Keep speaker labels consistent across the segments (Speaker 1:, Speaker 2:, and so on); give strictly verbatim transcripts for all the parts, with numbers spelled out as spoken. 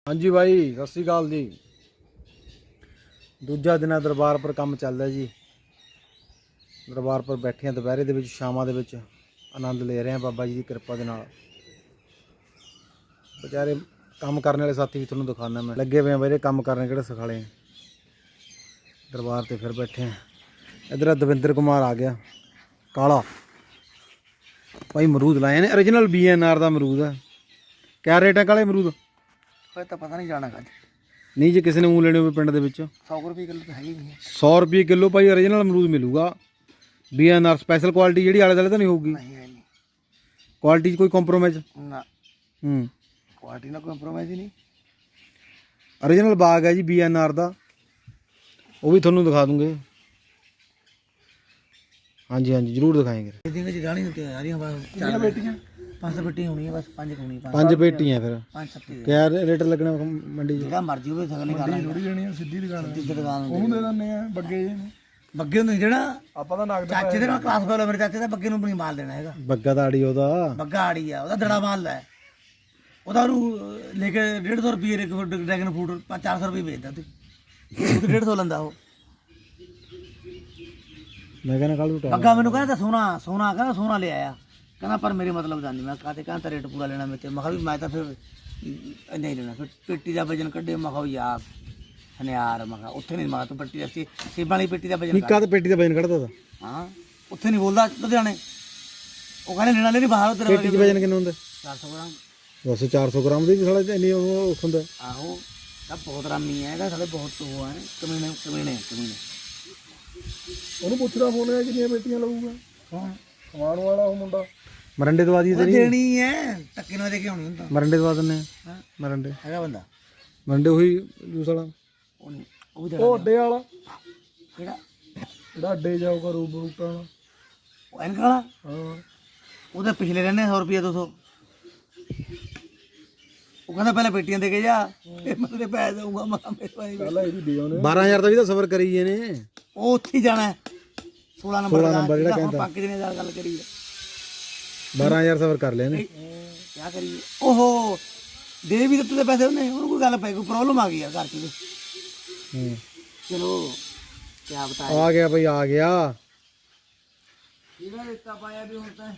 Speaker 1: हाँ जी भाई सत श्री अकाल जी। दूजा दिन दरबार पर काम चलता जी। दरबार पर बैठे हैं दोपहरे के शामां दे विच आनंद ले रहे हैं बाबा जी की कृपा के नाल। बेचारे काम करने वाले साथी भी थोड़ा दिखाना मैं लगे हुए हैं भाई काम करने किहड़े सिखाले हैं। दरबार ते फिर बैठे हैं। इधर दविंदर कुमार आ गया काला भाई अमरूद लाए ने ओरिजिनल बी एन आर का अमरूद है। क्या रेट है काले अमरूद?
Speaker 2: तो पता नहीं जाना अज
Speaker 1: नहीं जो किसी ने मूँह लेने हो पिंड दे
Speaker 2: सौ रुपये किलो तो है ही नहीं।
Speaker 1: सौ रुपये किलो भाई ओरिजिनल अमरूद मिलूगा। B N R special quality जी आले दुआले तो नहीं होगी। क्वालिटी कोई कॉम्प्रोमाइज
Speaker 2: ना
Speaker 1: हूँ
Speaker 2: क्वालिटी ना कॉम्प्रोमाइज ही नहीं।
Speaker 1: ओरिजिनल बाग है जी बी एन आर का वो भी थोनों दिखा दूंगे। हाँ जी हाँ जी जरूर दिखाएंगे।
Speaker 2: पांच सौ पेटी होनी है बस पांच होनी है
Speaker 1: पांच पेटियां फिर
Speaker 2: पांच सत्ती
Speaker 1: क्या रेट लगना मंडी
Speaker 2: ਜਿਹੜਾ ਮਰਜੀ ਹੋਵੇ ਸਗਲੇ ਕਰ ਲਾਂਗੇ
Speaker 3: ਥੋੜੀ ਜਣੀ ਸਿੱਧੀ ਦੁਕਾਨ
Speaker 2: ਸਿੱਧੀ ਦੁਕਾਨ
Speaker 3: ਉਹਨੂੰ ਦੇ ਦਿੰਦੇ ਆ ਬੱਗੇ ਜੀ ਨੂੰ
Speaker 2: ਬੱਗੇ ਨੂੰ ਜਿਹੜਾ
Speaker 3: ਆਪਾਂ ਤਾਂ ਨਗਦ
Speaker 2: ਚਾਚੇ ਦੇ ਨਾਲ ਕਲਾਸ ਫੈਲੋ ਮੇਰੇ ਚਾਚੇ ਦਾ ਬੱਗੇ ਨੂੰ ਨਹੀਂ ਮਾਲ ਦੇਣਾ ਹੈਗਾ।
Speaker 1: ਬੱਗਾ ਦਾ ਆੜੀ ਉਹਦਾ
Speaker 2: ਬੱਗਾ ਆੜੀ ਆ ਉਹਦਾ ਦੜਾ ਮਾਲ ਹੈ ਉਹਦਾ ਉਹਨੂੰ ਲੈ ਕੇ ਡੇਢ ਸੌ ਰੁਪਏ ਇੱਕ ਡਰੈਗਨ ਫੂਡ ਚਾਰ ਸੌ ਰੁਪਏ ਵੇਚਦਾ ਤੂੰ ਉਹ ਡੇਢ ਸੌ ਲੈਂਦਾ ਉਹ।
Speaker 1: ਮੈਂ ਕਹਿੰਦਾ ਕੱਲ ਨੂੰ
Speaker 2: ਬੱਗਾ ਮੈਨੂੰ ਕਹਿੰਦਾ ਸੋਨਾ ਸੋਨਾ ਕਹਿੰਦਾ ਸੋਨਾ ਲੈ ਆਇਆ कहना पर मेरे मतलब जानी मैं कहते कहता रेट पूरा लेना मेरे मैं भी मैं तो फिर नहीं लेना फिर पेटी का वजन कड्डे मैं यार हने यार मैं उत्थे नहीं मैं तू पेटी सी सेबां वाली पेटी का वजन
Speaker 1: निक्का तो पेटी का वजन कढ़दा था।
Speaker 2: हाँ उत्थे नहीं बोलदा लुधियाने वो कहने लेना लेनी बाहर उधर
Speaker 1: पेटी का वजन कितना होंदा?
Speaker 2: चार सौ ग्राम
Speaker 1: बस चार सौ ग्राम दी साला इन्नी होंदा।
Speaker 2: आहो सब बहुत रामी है साले बहुत वो है कमीने कमीने कमीने
Speaker 3: ਉਹਨੂੰ ਪੁੱਛਦਾ ਫੋਨ ਹੈ ਕਿੰਨੀਆਂ ਪੇਟੀਆਂ ਲਊਗਾ
Speaker 2: कौन
Speaker 3: ਸਮਾਨ ਵਾਲਾ ਉਹ ਮੁੰਡਾ
Speaker 1: ਮਰੰਡੇ ਦਵਾ ਦੀ ਤੇਰੀ
Speaker 2: देनी है टक्के ना देके होनी ਹੁੰਦਾ
Speaker 1: ਮਰੰਡੇ ਦਵਾ ਦਿੰਨੇ
Speaker 2: हां
Speaker 1: ਮਰੰਡੇ
Speaker 2: ਹੈਗਾ ਬੰਦਾ
Speaker 1: ਮਰੰਡੇ ਉਹੀ ਜੂਸ ਵਾਲਾ
Speaker 2: ਉਹ ਨਹੀਂ ਉਹ ਵੀ
Speaker 3: ਉਹ ਅੱਡੇ ਵਾਲਾ
Speaker 2: ਕਿਹੜਾ
Speaker 3: ਜਿਹੜਾ ਅੱਡੇ ਜਾਊਗਾ ਰੂਪ ਰੂਟਾਂ ਵਾਲਾ
Speaker 2: ਉਹ ਐਨਕ ਵਾਲਾ
Speaker 3: ਹਾਂ
Speaker 2: ਉਹਦੇ ਪਿਛਲੇ ਰਹਿੰਦੇ ਸੌ ਰੁਪਏ ਦੋ ਸੌ ਉਹ ਕਹਿੰਦਾ ਪਹਿਲਾਂ ਪੇਟੀਆਂ ਦੇ ਕੇ ਜਾ ਫਿਰ ਮੈਂ ਤੇਰੇ ਪੈਸੇ ਦਊਂਗਾ ਮੈਂ ਮੇਰੇ ਭਾਈ
Speaker 3: ਪਹਿਲਾਂ ਇਹਦੀ ਦੇ ਉਹਨੇ
Speaker 1: ਬਾਰਾਂ ਹਜ਼ਾਰ ਦਾ ਵੀ ਤਾਂ ਸਫਰ ਕਰੀ ਜੇ ਨੇ।
Speaker 2: ਉਹ ਉੱਥੇ ਹੀ ਜਾਣਾ ਸੋਲਾਂ ਨੰਬਰ
Speaker 1: ਸੋਲਾਂ
Speaker 2: ਦਾ
Speaker 1: ਨੰਬਰ ਜਿਹੜਾ
Speaker 2: ਹੁਣ
Speaker 1: ਕਹਿੰਦਾ।
Speaker 2: ਪੱਕ ਜਿਹਨੇ ਨਾਲ ਗੱਲ ਕਰੀ
Speaker 1: ਬਾਰਾਂ ਹਜ਼ਾਰ ਸਫਰ ਕਰ ਲਿਆ ਨੇ।
Speaker 2: ਕੀ ਕਰੀਏ ਓਹੋ ਦੇ ਵੀ ਦਿੱਤੇ ਪੈਸੇ ਉਹਨੇ ਉਹਨੂੰ ਕੋਈ ਗੱਲ ਪਈ ਕੋਈ ਪ੍ਰੋਬਲਮ ਆ ਗਈ ਯਾਰ ਘਰ ਚ
Speaker 1: ਹੂੰ
Speaker 2: ਚਲੋ ਕੀ ਬਤਾਏ
Speaker 1: ਆ ਗਿਆ ਭਾਈ ਆ ਗਿਆ।
Speaker 2: ਕਿਹੜਾ ਰਿਸ਼ਤਾ ਪਾਇਆ ਵੀ ਹੁਣ ਤਾਂ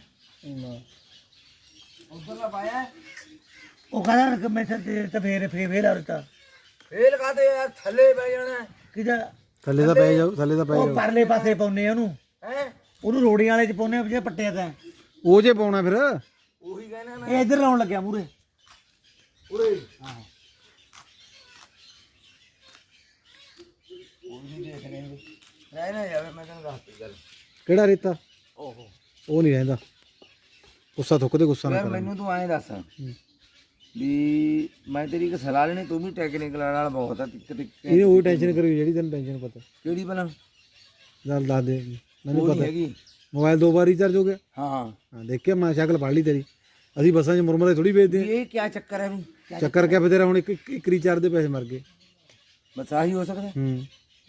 Speaker 2: ਉਧਰਲਾ ਪਾਇਆ ਉਹ ਕਹਿੰਦਾ ਕਿ ਮੈਂ ਤੇ ਤੇ ਫੇਰ ਫੇਰ ਫੇਰ ਆ ਰਿਸ਼ਤਾ ਫੇਰ ਕਾਤੇ ਯਾਰ ਥੱਲੇ ਬੈ ਜਾਣਾ ਕਿਹਦਾ
Speaker 1: ਥੱਲੇ ਦਾ ਪੈ ਜਾਓ ਥੱਲੇ ਦਾ ਪੈ
Speaker 2: ਉਹ
Speaker 1: ਜਾਓ
Speaker 2: ਪਰਲੇ ਪਾਸੇ ਪਾਉਨੇ ਉਹਨੂੰ ਹੈ ਉਹਨੂੰ ਰੋੜੀਆਂ ਵਾਲੇ ਚ ਪਾਉਨੇ ਆ ਜਿਹੜੇ ਪੱਟੇ ਤਾਂ
Speaker 1: ਉਹ ਜੇ ਪਾਉਣਾ ਫਿਰ
Speaker 2: ਉਹੀ ਕਹਿਣਾ ਮੈਂ ਇਹ ਇੱਧਰ ਲਾਉਣ ਲੱਗਿਆ ਮੂਰੇ ਉਰੇ ਹਾਂ ਉਹ ਵੀ ਦੇਖ ਰਹੇ ਨੇ ਰਹਿ ਨਾ ਜਾਵੇ ਮੈਂ ਤੈਨੂੰ ਦੱਸਦੀ ਗੱਲ
Speaker 1: ਕਿਹੜਾ ਰੇਤਾ
Speaker 2: ਓਹੋ
Speaker 1: ਉਹ ਨਹੀਂ ਰਹਿੰਦਾ ਗੁੱਸਾ ਥੁੱਕਦੇ ਗੁੱਸਾ ਨਾ ਕਰ।
Speaker 2: ਮੈਨੂੰ ਤੂੰ ਐਂ ਦੱਸ ਵੀ ਮੈਂ ਤੇਰੀ ਇੱਕ ਸਲਾਹ ਲੈਣੀ ਤੂੰ ਵੀ ਟੈਕਨੀਕਲ ਨਾਲ ਬਹੁਤ ਆ ਟਿਕ ਟਿਕ
Speaker 1: ਇਹ ਉਹ ਟੈਨਸ਼ਨ ਕਰੀ ਜਿਹੜੀ ਤੈਨੂੰ ਟੈਨਸ਼ਨ ਪਤਾ
Speaker 2: ਕਿਹੜੀ ਭਲਾ
Speaker 1: ਚੱਲ ਦੱਸ ਦੇ ਮੈਨੂੰ
Speaker 2: ਉਹ
Speaker 1: ਪਤਾ
Speaker 2: ਹੈਗੀ
Speaker 1: ਮੋਬਾਈਲ ਦੋ ਵਾਰ ਰੀਚਾਰਜ ਹੋ ਗਿਆ।
Speaker 2: ਹਾਂ
Speaker 1: ਹਾਂ ਦੇਖਿਆ ਮੈਂ ਸ਼ਕਲ ਪੜ ਲਈ ਤੇਰੀ। ਅਸੀਂ ਬੱਸਾਂ 'ਚ ਮੁਰਮਰੇ ਥੋੜੀ ਵੇਚਦੇ ਆ।
Speaker 2: ਇਹ ਕੀ ਚੱਕਰ ਹੈ ਵੀ
Speaker 1: ਚੱਕਰ ਕਿਆ ਬਤੇਰਾ ਹੁਣ ਇੱਕ ਇੱਕ ਰੀਚਾਰਜ ਦੇ ਪੈਸੇ ਮਰ ਗਏ।
Speaker 2: ਬਸ ਆਹੀ ਹੋ ਸਕਦਾ
Speaker 1: ਹੂੰ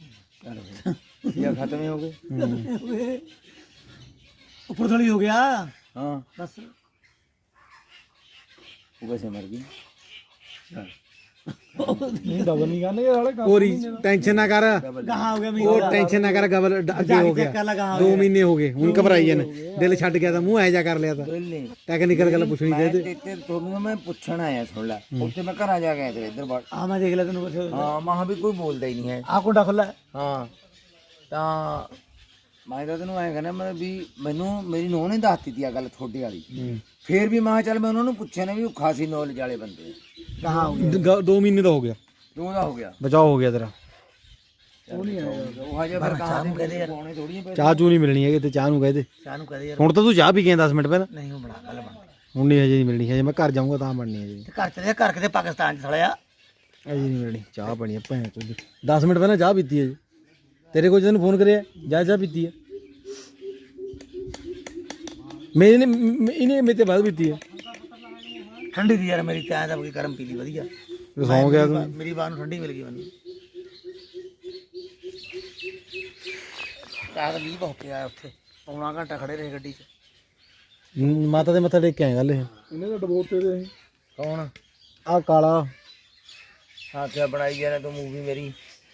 Speaker 2: या खत्म ही हो गए ऊपर थोड़ी हो गया हाँ बस वो कैसे मर गई
Speaker 3: ਨਹੀਂ ਡਬਲ ਨਹੀਂ ਕਰਨਗੇ ਸਾਲੇ ਕੰਮ
Speaker 1: ਉਹ ਟੈਨਸ਼ਨ ਨਾ ਕਰ
Speaker 2: कहाँ हो गया
Speaker 1: ਉਹ ਟੈਨਸ਼ਨ ਨਾ ਕਰ ਗਬਲ ਅੱਗੇ ਹੋ ਗਿਆ ਦੋ ਮਹੀਨੇ ਹੋ ਗਏ ਹੁਣ ਘਬਰਾਈ ਜਾਨ ਦਿਲ ਛੱਡ ਗਿਆ ਤਾਂ ਮੂੰਹ ਐ ਜਾ ਕਰ ਲਿਆ ਤਾਂ ਟੈਕਨੀਕਲ ਗੱਲ ਪੁੱਛਣੀ ਚਾਹੀਦੀ
Speaker 2: ਤੇ ਤੁਹਾਨੂੰ ਮੈਂ ਪੁੱਛਣ ਆਇਆ ਸੁਣ ਲੈ ਉੱਥੇ ਮੈਂ ਘਰਾਂ ਜਾ ਕੇ ਆਇਆ ਇੱਧਰ ਬਾਹਰ ਹਾਂ ਮੈਂ ਦੇਖ ਲਿਆ ਤੈਨੂੰ ਕੁਛ ਹਾਂ ਮਾਂ ਵੀ ਕੋਈ ਬੋਲਦਾ ਹੀ ਨਹੀਂ ਹੈ ਆ ਕੁੰਡਾ ਖੁੱਲਾ ਹਾਂ ਤਾਂ ਮੈਂ ਤਾਂ ਤੈਨੂੰ ਐਂ ਕਹਿੰਦਾ ਮੈਂ ਵੀ ਮੈਨੂੰ ਮੇਰੀ ਨੂੰਹ ਨੇ ਦੱਸਤੀ ਤੀ ਆ ਗੱਲ ਤੁਹਾਡੇ ਵਾਲੀ ਫੇਰ ਵੀ ਮੈਂ ਚੱਲ ਮੈਂ ਉਹਨਾਂ ਨੂੰ ਪੁੱਛਿਆ ਨੇ ਵੀ ਉਹ ਖਾਸੀ ਨੌਲੇਜ ਵਾਲੇ ਬੰਦੇ ਕਹਾਂ ਹੋ
Speaker 1: ਗ- ਦੋ ਮਹੀਨੇ ਦਾ ਹੋ ਗਿਆ
Speaker 2: ਦੋ ਦਾ ਹੋ ਗਿਆ
Speaker 1: ਬਚਾਓ ਹੋ ਗਿਆ ਤੇਰਾ।
Speaker 2: ਉਹ ਨਹੀਂ ਆਇਆ ਉਹ ਹਜੇ ਫਿਰ ਕਹਾਂ ਦੇ ਕਹਦੇ ਯਾਰ ਪਾਉਣੇ ਥੋੜੀਆਂ ਪੈ
Speaker 1: ਚਾਹ ਚੂ ਨਹੀਂ ਮਿਲਣੀ ਹੈਗੀ ਤੇ ਚਾਹ ਨੂੰ ਕਹਦੇ
Speaker 2: ਚਾਹ ਨੂੰ ਕਹਦੇ ਯਾਰ
Speaker 1: ਹੁਣ ਤਾਂ ਤੂੰ ਚਾਹ ਪੀ ਗਿਆ ਦਸ ਮਿੰਟ ਪਹਿਲਾਂ।
Speaker 2: ਨਹੀਂ ਉਹ ਬਣਾ ਗੱਲ ਬਣ
Speaker 1: ਹੁਣ ਨਹੀਂ ਹਜੇ ਨਹੀਂ ਮਿਲਣੀ ਹਜੇ ਮੈਂ ਘਰ ਜਾਊਂਗਾ ਤਾਂ ਬਣਨੀ ਹੈ ਜੀ।
Speaker 2: ਤੇ ਘਰ ਚਲੇ ਘਰ ਕਿਤੇ ਪਾਕਿਸਤਾਨ ਚ ਥੜਿਆ
Speaker 1: ਅਜੇ ਨਹੀਂ ਮਿਲਣੀ ਚਾਹ ਬਣੀ ਹੈ ਭੈਣ ਚੋਦ ਦਸ ਮਿੰਟ ਪਹਿਲਾਂ ਚਾਹ ਪੀਤੀ ਹੈ ਜੀ। ਤੇਰੇ ਕੋਲ ਤੈਨੂੰ ਫੋਨ ਕਰਿਆ ਜਾ ਚਾਹ ਪੀਤੀ ਹੈ ਮੈਨੇ ਇਹਨੇ ਮੇਰੇ ਤੇ ਬਾਅਦ ਪੀਤੀ ਹੈ।
Speaker 2: ਠੰਡੀ ਦੀ ਯਾਰ ਮੇਰੀ ਚਾਹ ਦਾ ਕੋਈ ਗਰਮ ਪੀ ਲਈ ਵਧੀਆ
Speaker 1: ਸੌਂ ਗਿਆ ਤੂੰ।
Speaker 2: ਮੇਰੀ ਬਾਤ ਨੂੰ ਠੰਡੀ ਮਿਲ ਗਈ ਮੈਨੂੰ ਚਾਹ ਦਾ ਵੀ ਬਹੁਤ ਪਿਆ ਉੱਥੇ ਪੌਣਾ ਘੰਟਾ ਖੜੇ ਰਹੇ ਗੱਡੀ 'ਚ
Speaker 1: ਮਾਤਾ ਦੇ ਮੱਥਾ ਟੇਕ ਕੇ ਆਏ ਗੱਲ ਇਹ
Speaker 3: ਇਹਨੇ ਤਾਂ ਡਬੋਤੇ ਦੇ
Speaker 2: ਕੌਣ
Speaker 1: ਆ ਕਾਲਾ
Speaker 2: हाँ क्या बनाई जा रहा तू मूवी मेरी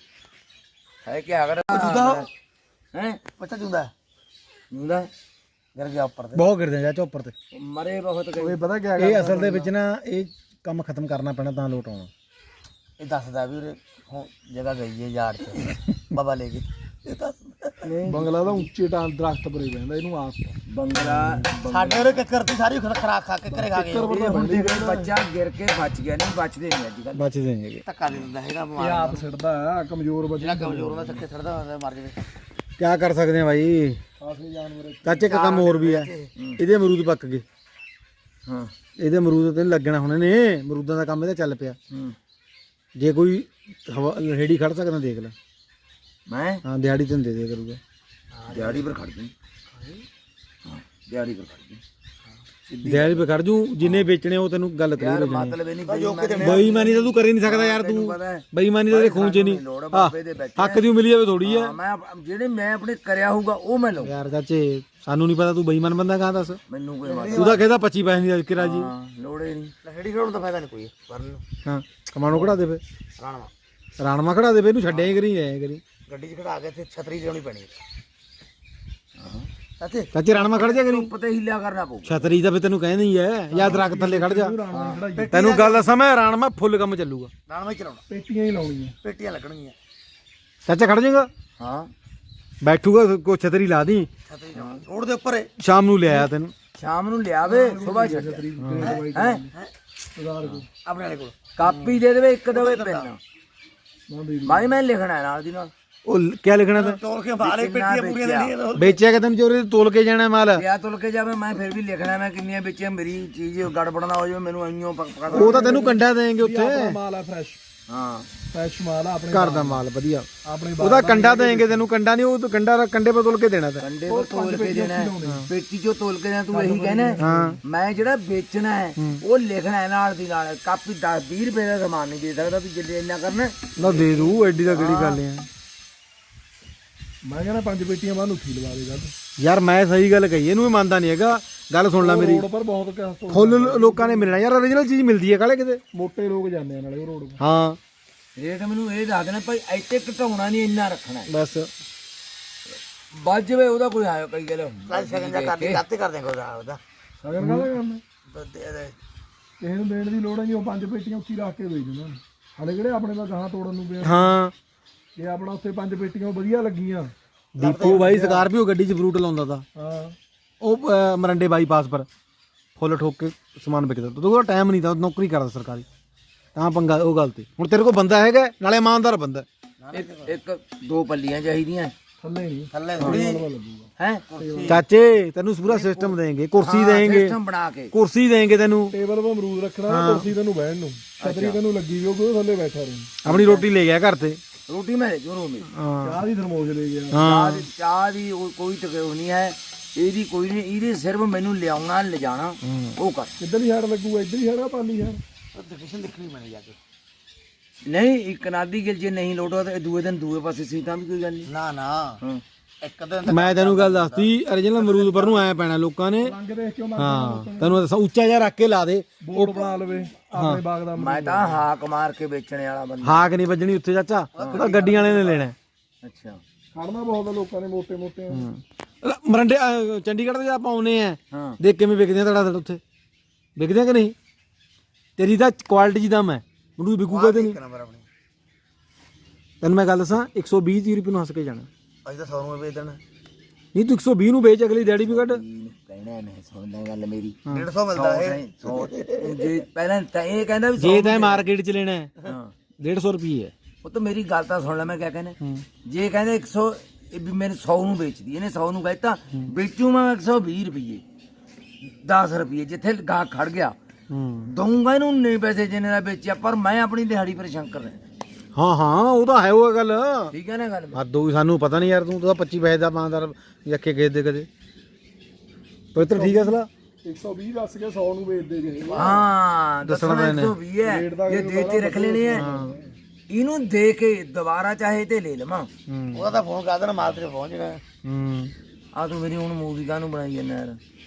Speaker 2: है क्या अगर हैं बच्चा चूंदा चूंदा गिर गया ऊपर से
Speaker 1: ਬਹੁਤ ਗਿਰਦੇ ਚਾਚਾ ਉੱਪਰ ਤੇ
Speaker 2: मरे बहुत
Speaker 3: ਇਹ ਪਤਾ ਕਿਆ
Speaker 1: ਇਹ ਅਸਲ ਦੇ ਵਿੱਚ ਨਾ ਇਹ ਕੰਮ ਖਤਮ ਕਰਨਾ ਪੈਣਾ ਤਾਂ ਲੋਟ ਆਉਣਾ
Speaker 2: ਇਹ ਦੱਸਦਾ ਵੀ ਉਰੇ ਹੁਣ ਜਗ੍ਹਾ ਗਈ ਹੈ ਯਾਰ ਚ ਬਾਬਾ ਲੈ ਗਏ ਇਹ ਦੱਸਦਾ
Speaker 3: ਬੰਗਲਾ ਦਾ ਉੱਚੇ ਟਾਂ ਦਰਖਤ ਪਰੇ ਬੈਂਦਾ ਇਹਨੂੰ ਆਪ
Speaker 2: ਬੰਗਲਾ
Speaker 1: ਸਾਡੇ ਉਰੇ ਕਿੱਕਰ ਦੀ ਸਾਰੀ ਖਰਾਕ ਖਾ ਕੇ ਘਰੇ ਖਾ ਗਏ
Speaker 2: ਹੁਣ ਦੇਖ ਬੱਚਾ ਗਿਰ ਕੇ ਬਚ ਗਿਆ ਨਹੀਂ ਬਚਦੇ ਨਹੀਂ ਅੱਜ ਕੱਲ
Speaker 1: ਬਚਦੇ ਨਹੀਂ ਹੈਗੇ
Speaker 2: ਧੱਕਾ ਦੇ ਦਿੰਦਾ ਹੈਗਾ
Speaker 3: ਇਹ ਆਪ ਸਿੱਟਦਾ ਆ ਕਮਜ਼ੋਰ ਬੱਚਾ
Speaker 2: ਜਿਹੜਾ ਕਮਜ਼ੋਰ ਹੁੰਦਾ ਧੱਕੇ ਛੱਡਦਾ ਹੁੰਦਾ ਮਰ ਜਾਵੇ
Speaker 1: ਕਿਆ ਕਰ ਸਕਦੇ ਆ ਭਾਈ
Speaker 3: ਕਾਫੀ ਜਾਨਵਰ
Speaker 1: ਚਾਚੇ ਇੱਕ ਕੰਮ ਹੋਰ ਵੀ ਹੈ ਇਹਦੇ ਅਮਰੂਦ ਪੱਕ ਗਏ
Speaker 2: ਹਾਂ
Speaker 1: ਇਹਦੇ ਅਮਰੂਦ ਤੇ ਨੀ ਲੱਗਣਾ ਹੁਣ ਨੇ ਅਮਰੂਦਾਂ ਦਾ ਕੰਮ ਇਹਦਾ ਚੱਲ ਪਿਆ
Speaker 2: ਹੂੰ
Speaker 1: ਜੇ ਕੋਈ ਹਵਾ ਰੇੜੀ ਖੜ ਸਕਦਾ ਦੇਖ ਲੈ
Speaker 2: ਮੈਂ
Speaker 1: ਹਾਂ ਦਿਹਾੜੀ ਤੈਨੂੰ ਦੇ ਦੇ ਕਰੂਗਾ
Speaker 2: ਦਿਹਾੜੀ ਪਰ ਖੜ ਗਈ ਹਾਂ ਦਿਹਾੜੀ ਪਰ ਖੜ ਗਈ
Speaker 1: ਦਿਹਾੜੀ ਪੇ ਖੜ ਜੂ ਜਿੰਨੇ ਵੇਚਣੇ ਉਹ ਤੈਨੂੰ ਗੱਲ ਕਰੀ
Speaker 2: ਯਾਰ ਮਤਲਬ ਇਹ ਨਹੀਂ ਬੇਈਮਾਨੀ
Speaker 1: ਬੇਈਮਾਨੀ ਤਾਂ ਤੂੰ ਕਰ ਹੀ ਨਹੀਂ ਸਕਦਾ ਯਾਰ ਤੂੰ ਬੇਈਮਾਨੀ ਤਾਂ ਤੇਰੇ ਖੂਨ 'ਚ ਨਹੀਂ
Speaker 2: ਲੋੜ ਆ
Speaker 1: ਆਹ,
Speaker 2: ਬਾਬੇ ਦੇ ਵਿੱਚ
Speaker 1: ਹੱਕ ਦੀ ਮਿਲੀ ਜਾਵੇ ਥੋੜੀ ਹੈ
Speaker 2: ਹਾਂ, ਮੈਂ ਆਪ- ਜਿਹੜੇ ਮੈਂ ਆਪਣੇ ਕਰਿਆ ਹੋਊਗਾ ਉਹ ਮੈਂ ਲਊ
Speaker 1: ਯਾਰ ਚਾਚੇ ਸਾਨੂੰ ਨਹੀਂ ਪਤਾ ਤੂੰ ਬੇਈਮਾਨ ਬੰਦਾ ਕਹਾਂ ਦੱਸ
Speaker 2: ਮੈਨੂੰ ਕੋਈ ਮਤਲਬ
Speaker 1: ਤੂੰ ਤਾਂ ਕਹਿੰਦਾ ਪੱਚੀ ਪੈਸੇ ਦੀ ਕਿਰਾ ਜੀ
Speaker 2: ਹਾਂ ਲੋੜੇ ਨਹੀਂ ਲਹੜੀ ਖੜਾਉਣ ਦਾ ਫਾਇਦਾ ਨਹੀਂ ਕੋਈ ਕਰਨ ਨੂੰ
Speaker 1: ਹਾਂ ਕਮਾਣੋ ਕਢਾ ਦੇ ਫੇ
Speaker 2: ਰਾਣਾ
Speaker 1: ਰਾਣਵਾ ਖੜਾ ਦੇ ਫੇ ਇਹਨੂੰ ਛੱਡਿਆ ਹੀ ਕਰੀ ਜਾਇਆ ਕਰੀ
Speaker 2: ਗੱਡੀ 'ਚ ਖੜਾ ਕੇ ਤੇ ਛਤਰੀ ਲਿਆਉਣੀ ਪੈਣੀ ਹਾਂ ਚਾਚੇ
Speaker 1: ਚਾਚੇ ਰਾਣਵਾ ਖੜ ਜਾ ਕਰੀ
Speaker 2: ਪਤਾ ਹਿੱਲਿਆ ਕਰਨਾ ਪਊ
Speaker 1: ਛਤਰੀ ਤਾਂ ਫੇ ਤੈਨੂੰ ਕਹਿੰਦੇ ਹੀ ਐ ਜਾਂ ਦਰਖਤ ਥੱਲੇ ਖੜ ਜਾ ਤੈਨੂੰ ਗੱਲ ਦੱਸਾਂ ਮੈਂ ਰਾਣਵਾ ਫੁੱਲ ਕੰਮ ਚੱਲੂਗਾ
Speaker 2: ਰਾਣਾ ਹੀ ਚਲਾਉਣਾ
Speaker 3: ਪੇਟੀਆਂ ਹੀ ਲਾਉਣੀਆਂ
Speaker 2: ਪੇਟੀਆਂ ਲੱਗਣਗੀਆਂ
Speaker 1: ਚਾਚਾ ਖੜ ਜਾਏਗਾ
Speaker 2: ਹਾਂ
Speaker 1: ਬੈਠੂਗਾ ਕੋ ਛਤਰੀ ਲਾ ਦੀ
Speaker 2: ਛਤਰੀ ਰੋਡ ਦੇ ਉੱਪਰ
Speaker 1: ਸ਼ਾਮ ਨੂੰ ਲਿਆਇਆ ਤੈਨੂੰ
Speaker 2: ਸ਼ਾਮ ਨੂੰ ਲਿਆਵੇ ਸਵੇਰ ਛੱਡ ਹੈ ਆਪਣੇ ਵਾਲੇ ਕੋਲ ਕਾਪੀ ਦੇ ਦੇਵੇ ਇੱਕ ਦੇਵੇ ਪੈਨ ਮਾਈ ਮੈਂ ਲਿਖਣਾ ਹੈ ਨਾਲ ਦੀ ਨਾਲ
Speaker 1: ਉਹ ਕਿਆ ਲਿਖਣਾ ਤਾਂ
Speaker 2: ਤੋਲ ਕੇ ਬਾਹਰ ਪੇਟੀਆਂ ਪੂਰੀਆਂ ਲੈਣੀਆਂ
Speaker 1: ਵੇਚਿਆ ਕਿ ਤੈਨੂੰ ਚੋਰੀ ਤੋਲ ਕੇ ਜਾਣਾ ਮਾਲ
Speaker 2: ਲਿਆ ਤੋਲ ਕੇ ਜਾਵੇ ਮੈਂ ਫਿਰ ਵੀ ਲਿਖਣਾ ਮੈਂ ਕਿੰਨੀਆਂ ਵੇਚੀਆਂ ਮੇਰੀ ਚੀਜ਼ ਗੜਬੜ ਨਾ ਹੋ ਜਾਵੇ ਮੈਨੂੰ ਐਂ ਪਕਾ
Speaker 1: ਉਹ ਤਾਂ ਤੈਨੂੰ ਕੰਡਾ ਦੇਣਗੇ ਉੱਥੇ
Speaker 3: ਮਾਲ ਆ ਫਰੈਸ਼
Speaker 2: ਹਾਂ
Speaker 3: ਫਰੈਸ਼ ਮਾਲ ਆ ਆਪਣੇ
Speaker 1: ਘਰ ਦਾ ਮਾਲ ਵਧੀਆ
Speaker 3: ਆਪਣੇ
Speaker 1: ਉਹਦਾ ਕੰਡਾ ਦੇਣਗੇ ਤੈਨੂੰ ਕੰਡਾ ਨਹੀਂ ਉਹ ਤਾਂ ਕੰਡਾ ਕੰਡੇ ਪਰ ਤੋਲ ਕੇ ਦੇਣਾ ਤਾਂ
Speaker 2: ਕੰਡੇ ਪਰ ਤੋਲ ਕੇ ਦੇਣਾ ਹੈ। ਪੇਟੀ ਚੋਂ ਤੋਲ ਕੇ ਦੇਣਾ ਤੂੰ ਇਹੀ ਕਹਿਣਾ ਮੈਂ ਜਿਹੜਾ ਵੇਚਣਾ ਹੈ ਉਹ ਲਿਖਣਾ ਹੈ ਨਾਲ ਦੀ ਨਾਲ ਕਾਪੀ ਦਸ ਵੀਹ ਰੁਪਏ ਦਾ ਸਮਾਨ ਨਹੀਂ ਦੇ ਸਕਦਾ ਵੀ ਜਿੱਲੇ ਇੰਨਾ ਕਰਨਾ
Speaker 1: ਨਾ ਦੇ ਦੂ ਐਡੀ ਦਾ ਕਿਹੜੀ ਗੱਲ ਹੈ
Speaker 3: ਮੈਂ ਕਹਿੰਦਾ ਪੰਜ ਪੇਟੀਆਂ ਬਾਹਰ ਉੱਠੀ ਲਵਾ ਦੇ ਗੱਲ
Speaker 1: ਯਾਰ ਮੈਂ ਸਹੀ ਗੱਲ ਕਹੀ ਇਹਨੂੰ ਵੀ ਮੰਨਦਾ ਨਹੀਂ ਹੈਗਾ ਗੱਲ ਸੁਣ ਲੈ ਮੇਰੀ
Speaker 3: ਰੋਡ ਪਰ ਬਹੁਤ ਕਿਆ ਤੋਂ
Speaker 1: ਫੁੱਲ ਲੋਕਾਂ ਨੇ ਮਿਲਣਾ ਯਾਰ origignal ਚੀਜ਼ ਮਿਲਦੀ ਹੈ ਕਾਲੇ ਕਿਤੇ
Speaker 3: ਮੋਟੇ ਲੋਕ ਜਾਂਦੇ ਆ ਨਾਲੇ ਉਹ ਰੋਡ
Speaker 1: ਹਾਂ
Speaker 2: ਰੇਟ ਮੈਨੂੰ ਇਹ ਦੱਸ ਦੇਣਾ ਭਾਈ ਇੱਥੇ ਘਟਾਉਣਾ ਨਹੀਂ ਇੰਨਾ ਰੱਖਣਾ
Speaker 1: ਬਸ
Speaker 2: ਵੱਜ ਜਵੇ ਉਹਦਾ ਕੋਈ ਆਇਓ ਕਈ ਗੱਲ ਸਗਨ ਜਾ ਕਰਦੇ ਕੱਤੇ ਕਰ ਦੇਂਗੇ ਉਹਦਾ ਉਹਦਾ
Speaker 3: ਸਗਨ ਕਾਹਦਾ ਕਰਨਾ ਕਿਸੇ ਨੂੰ ਦੇਣ ਦੀ ਲੋੜ ਨਹੀਂ ਉਹ ਪੰਜ ਪੇਟੀਆਂ ਉੱਚੀ ਰੱਖ ਕੇ ਵੇਚ ਦਿੰਦਾ ਹਾਲੇ ਕਿਹੜੇ ਆਪਣੇ ਦਾ ਗਾਹਾਂ ਤੋੜਨ ਨੂੰ ਪਿਆ
Speaker 1: ਹਾਂ
Speaker 3: ਇਹ ਆਪਣਾ ਉੱਥੇ ਪੰਜ ਪੇਟੀਆਂ ਵਧੀਆ ਲੱਗੀਆਂ
Speaker 1: ਦੀਪੂ ਬਾਈ ਸਕਾਰਪੀਓ ਗੱਡੀ 'ਚ ਫਰੂਟ ਲਾਉਂਦਾ ਤਾ
Speaker 3: ਹਾਂ
Speaker 1: ਉਹ ਅਹ, ਮਰੰਡੇ ਬਾਈਪਾਸ ਪਰ ਫੁੱਲ ਠੋਕ ਕੇ ਸਮਾਨ ਵਿਕਦਾ ਤਾ ਉਹਦਾ ਟਾਈਮ ਨਹੀਂ ਤਾ ਉਹ ਨੌਕਰੀ ਕਰਦਾ ਸਰਕਾਰੀ ਤਾਂ ਪੰਗਾ ਉਹ ਗੱਲ ਤੇ ਹੁਣ ਤੇਰੇ ਕੋਲ ਬੰਦਾ ਹੈਗਾ ਨਾਲੇ ਇਮਾਨਦਾਰ ਬੰਦਾ
Speaker 2: ਇੱਕ ਇੱਕ ਦੋ ਪੱਲੀਆਂ ਚਾਹੀਦੀਆਂ
Speaker 3: ਥੱਲੇ ਨਹੀਂ
Speaker 2: ਥੱਲੇ ਥੋੜੀ ਹੈ
Speaker 1: ਚਾਚੇ ਤੈਨੂੰ ਪੂਰਾ ਸਿਸਟਮ ਦੇਂਗੇ ਕੁਰਸੀ ਦੇਂਗੇ
Speaker 2: ਸਿਸਟਮ ਬਣਾ ਕੇ
Speaker 1: ਕੁਰਸੀ ਦੇਂਗੇ ਤੈਨੂੰ
Speaker 3: ਟੇਬਲ 'ਤੇ ਅਮਰੂਦ ਰੱਖਣਾ ਕੁਰਸੀ ਤੈਨੂੰ ਬਹਿਣ ਨੂੰ ਛਤਰੀ ਤੈਨੂੰ ਲੱਗੀ ਵੀ ਉਹ ਥੱਲੇ ਬੈਠਾ ਰਹੀ
Speaker 1: ਆਪਣੀ ਰੋਟੀ ਲੈ ਗਿਆ ਘਰ ਤੇ
Speaker 2: ਰੋਟੀ ਮੈਂ ਜਰੂਰ ਮੇਰੀ
Speaker 1: ਹਾਂ
Speaker 3: ਚਾਹ ਦੀ ਥਰਮੋਸ ਲੈ ਗਿਆ
Speaker 2: ਚਾਹ ਦੀ ਚਾਹ ਦੀ ਉਹ ਕੋਈ ਤਕਲੀਫ ਨਹੀਂ ਹੈ ਇਹਦੀ ਕੋਈ ਨਹੀਂ ਇਹਦੇ ਸਿਰਫ ਮੈਨੂੰ ਲਿਆਉਣਾ ਲਿਜਾਣਾ ਉਹ ਕਰ
Speaker 3: ਕਿੱਧਰ ਹੀ ਹੜ ਲੱਗੂਗਾ ਇੱਧਰ ਹੀ ਹੜਾ ਪਾਲੀ ਹੜ
Speaker 2: ਲੋਕੇਸ਼ਨ ਦੇਖਣੀ ਮੈਨੇ ਜਾ ਕੇ ਨਹੀਂ ਇੱਕ ਨਾਦੀ ਗਿਲ ਜੇ ਨਹੀਂ ਲੋਟੋ ਤੇ ਦੂਏ ਦਿਨ ਦੂਏ ਪਾਸੇ ਸੀ ਤਾਂ ਵੀ ਕੋਈ ਗੱਲ ਨਹੀਂ ਨਾ ਨਾ ਇੱਕ ਦਿਨ
Speaker 1: ਮੈਂ ਤੈਨੂੰ ਗੱਲ ਦੱਸਤੀ origignal ਅਮਰੂਦ ਪਰ ਨੂੰ ਆਇਆ ਪੈਣਾ ਲੋਕਾਂ ਨੇ
Speaker 3: ਰੰਗ ਦੇਖ ਕੇ
Speaker 1: ਹਾਂ ਤੈਨੂੰ ਦੱਸਾਂ ਉੱਚਾ ਜਿਹਾ ਰੱਖ ਕੇ ਲਾ ਦੇ
Speaker 3: ਬੋਰਡ ਬਣਾ ਲਵੇ ਆਪਣੇ ਬਾਗ ਦਾ
Speaker 2: ਮੈਂ ਤਾਂ ਹਾਕ ਮਾਰ ਕੇ ਵੇਚਣੇ ਵਾਲਾ ਬੰਦਾ
Speaker 1: ਹਾਕ ਨਹੀਂ ਵੱਜਣੀ ਉੱਥੇ ਚਾਚਾ ਉਹ ਤਾਂ ਗੱਡੀਆਂ ਵਾਲੇ ਨੇ ਲੈਣਾ
Speaker 2: ਅੱਛਾ
Speaker 3: ਖੜਨਾ ਬਹੁਤ ਆ ਲੋਕਾਂ ਨੇ ਮੋਟੇ ਮੋਟੇ
Speaker 1: ਅਹ ਮਰੰਡੇ ਅਹ ਚੰਡੀਗੜ੍ਹ ਦੇ ਆਪਾਂ ਆਉਨੇ ਆ
Speaker 2: ਹਾਂ
Speaker 1: ਦੇਖ ਕਿਵੇਂ ਵਿਕਦੇ ਆ ਤੜਾ ਤੜ ਉੱਥੇ ਵਿਕਦੇ ਆ ਕਿ ਨਹੀਂ ਤੇਰੀ ਤਾਂ ਕੁਆਲਿਟੀ ਦਾ ਮੈਂ ਮੈਨੂੰ ਵਿਕੂਗਾ ਤੇ ਨਹੀਂ
Speaker 2: ਨੰਬਰ ਆਪਣੀ
Speaker 1: ਤੈਨੂੰ ਮੈਂ ਗੱਲ ਦੱਸਾਂ ਇੱਕ ਸੌ ਵੀਹ ਤੀਹ ਰੁਪਏ ਨੂੰ ਹੱਸ ਕੇ ਜਾਣਾ
Speaker 2: ਅੱਜ ਤਾਂ ਸੌ ਨੂੰ ਵੇਚ ਦੇਣਾ
Speaker 1: ਨਹੀਂ ਤੂੰ ਇੱਕ ਸੌ ਵੀਹ ਨੂੰ ਵੇਚ ਅਗਲੀ ਦਿਹਾੜੀ ਵੀ ਕੱਢ
Speaker 2: ਕਹਿਣਾ ਨਹੀਂ ਸੁਣਦਾ ਗੱਲ ਮੇਰੀ ਡੇਢ ਸੌ ਮਿਲਦਾ ਹੈ ਜੇ ਪਹਿਲਾਂ ਤਾਂ ਇਹ ਕਹਿੰਦਾ ਵੀ
Speaker 1: ਜੇ ਤਾਂ ਮਾਰਕੀਟ 'ਚ ਲੈਣਾ ਹੈ
Speaker 2: ਹਾਂ
Speaker 1: ਡੇਢ ਸੌ ਰੁਪਏ ਹੈ
Speaker 2: ਉਹ ਤਾਂ ਮੇਰੀ ਗੱਲ ਤਾਂ ਸੁਣ ਲੈ ਮੈਂ ਕਿਆ ਕਹਿੰਦਾ ਜੇ ਕਹਿੰਦੇ ਇੱਕ ਸੌ ਇਹ ਵੀ ਮੇਰੇ ਸੌ ਨੂੰ ਵੇਚਦੀ ਇਹਨੇ ਸੌ ਨੂੰ ਕਹਿਤਾ ਵੇਚੂ ਮੈਂ ਇੱਕ ਸੌ ਵੀਹ ਰੁਪਏ ਦਸ ਰੁਪਏ ਜਿੱਥੇ ਗਾ ਖੜ ਗਿਆ
Speaker 1: ਹੂੰ
Speaker 2: ਦਊਂਗਾ ਇਹਨੂੰ ਨਹੀਂ ਪੈਸੇ ਜਿੰਨੇ ਦਾ ਵੇਚਿਆ ਪਰ ਮੈਂ ਆਪਣੀ ਦਿਹਾੜੀ ਪਰ ਸ਼ੰਕਰ ਰਹਿ
Speaker 1: ਹਾਂ ਹਾਂ ਉਹ ਤਾਂ ਹੈ ਉਹ ਗੱਲ
Speaker 2: ਠੀਕ ਹੈ ਨਾ ਗੱਲ
Speaker 1: ਹੱਦੋਂ ਵੀ ਸਾਨੂੰ ਪਤਾ ਨਹੀਂ ਯਾਰ ਤੂੰ ਤਾਂ ਪੱਚੀ ਪੈਸੇ ਦਾ ਪਾਂਦਾਰ ਰੱਖੇ ਗਏ ਦੇ ਕਦੇ ਪਵਿੱਤਰ ਠੀਕ ਹੈ ਸਲਾ
Speaker 3: ਇੱਕ ਸੌ ਵੀਹ ਦੱਸ ਕੇ ਸੌ ਨੂੰ ਵੇਚਦੇ ਜੇ
Speaker 2: ਹਾਂ
Speaker 1: ਦੱਸਣਾ
Speaker 2: ਦੱਸਣਾ
Speaker 1: ਪੈਣਾ।
Speaker 2: ਇੱਕ ਸੌ ਵੀਹ ਹੈ ਜੇ ਦੇ ਤੇ ਰੱਖ ਲੈਣੇ ਹੈ ਇਹਨੂੰ ਦੇ ਕੇ ਦੁਬਾਰਾ ਚਾਹੇ ਤੇ ਲੈ ਲਵਾਂ ਉਹਦਾ ਤਾਂ ਫੋਨ ਕਰ ਦੇਣਾ ਮਾਲ ਤੇਰੇ ਪਹੁੰਚ ਜਾਣਾ
Speaker 1: ਹੂੰ
Speaker 2: ਆ ਤੂੰ ਮੇਰੀ ਹੁਣ ਮੂਵੀ ਕਾਹਨੂੰ ਬਣਾਈ ਜਾਂਦਾ ਯਾਰ